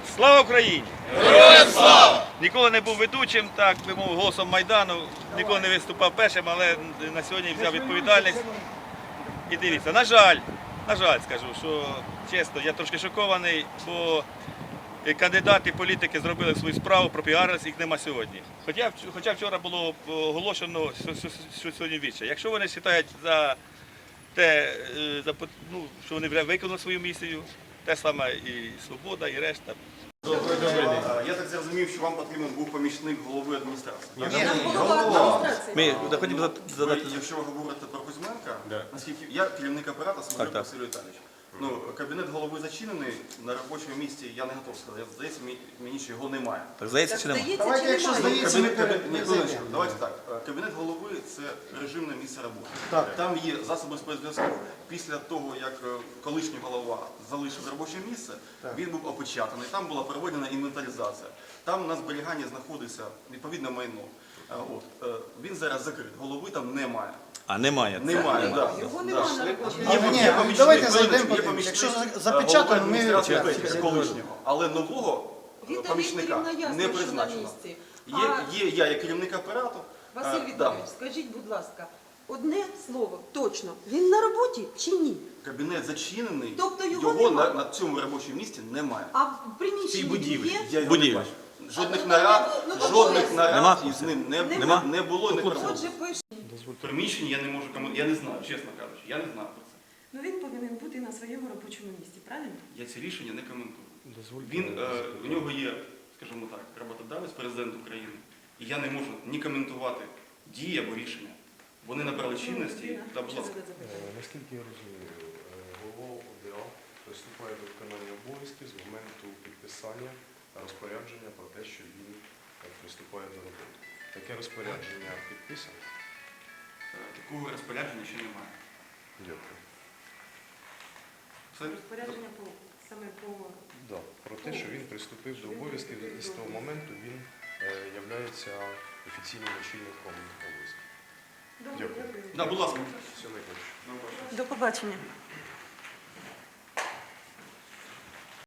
Слава Україні! Героям слава! Ніколи не був ведучим, так би мовив, голосом Майдану, ніколи не виступав першим, але на сьогодні взяв відповідальність. І дивіться, на жаль, скажу, що чесно, я трошки шокований, бо кандидати, політики зробили свою справу, пропіарились, їх нема сьогодні. Хоча вчора було оголошено, що сьогодні віче. Якщо вони вважають за те, що вони вже виконали свою місію, те саме і Свобода, і решта. Добрий день. Я так зрозумів, що вам потрібен був помічник голови адміністрації. Ми хочемо задати. Якщо ви говорите про Кузьменка, наскільки я керівник апарату Смолюк Василь Віталійович. Кабінет голови зачинений, на робочому місці я не готов сказати. Здається, мені що його немає. Так здається чи немає? Давайте, якщо здається, давайте так. Кабінет голови – це режимне місце роботи. Там є засоби спецзв'язку. Після того, як колишній голова залишив робоче місце, він був опечатаний, там була проведена інвентаризація. Там на зберіганні знаходиться відповідне майно. Він зараз закрит, голови там немає. А немає. Немає, так. Його немає на роботі. Давайте зайдемо, якщо запечатано, ми з колишнього, але нового помічника не призначено. Є я як керівник апарату. Василь Віталійович, скажіть, будь ласка, одне слово, точно, він на роботі чи ні? Кабінет зачинений, Тобто його на цьому робочому місці немає. А в приміщенні є? Я його не бачу. Жодних нарад із ним не було, не проводилось. Отже, пише. Приміщення я не можу коментувати, я не знаю, чесно кажучи, я не знаю про це. Ну він повинен бути на своєму робочому місці, правильно? Я ці рішення не коментую. У нього є, скажімо так, роботодавець, президент України, і я не можу ні коментувати дії або рішення. Вони набрали чинності, та будь ласка. Наскільки я розумію, голова ОДА приступає до виконання обов'язків з моменту підписання розпорядження про те, що він приступає до роботи. Таке розпорядження підписано? Такого розпорядження ще немає. Дякую. Розпорядження саме по... Да, про те, що він приступив до обов'язків і з того моменту він являється офіційним очільником обов'язків. Дякую. Будь ласка. Все найкраще. До побачення.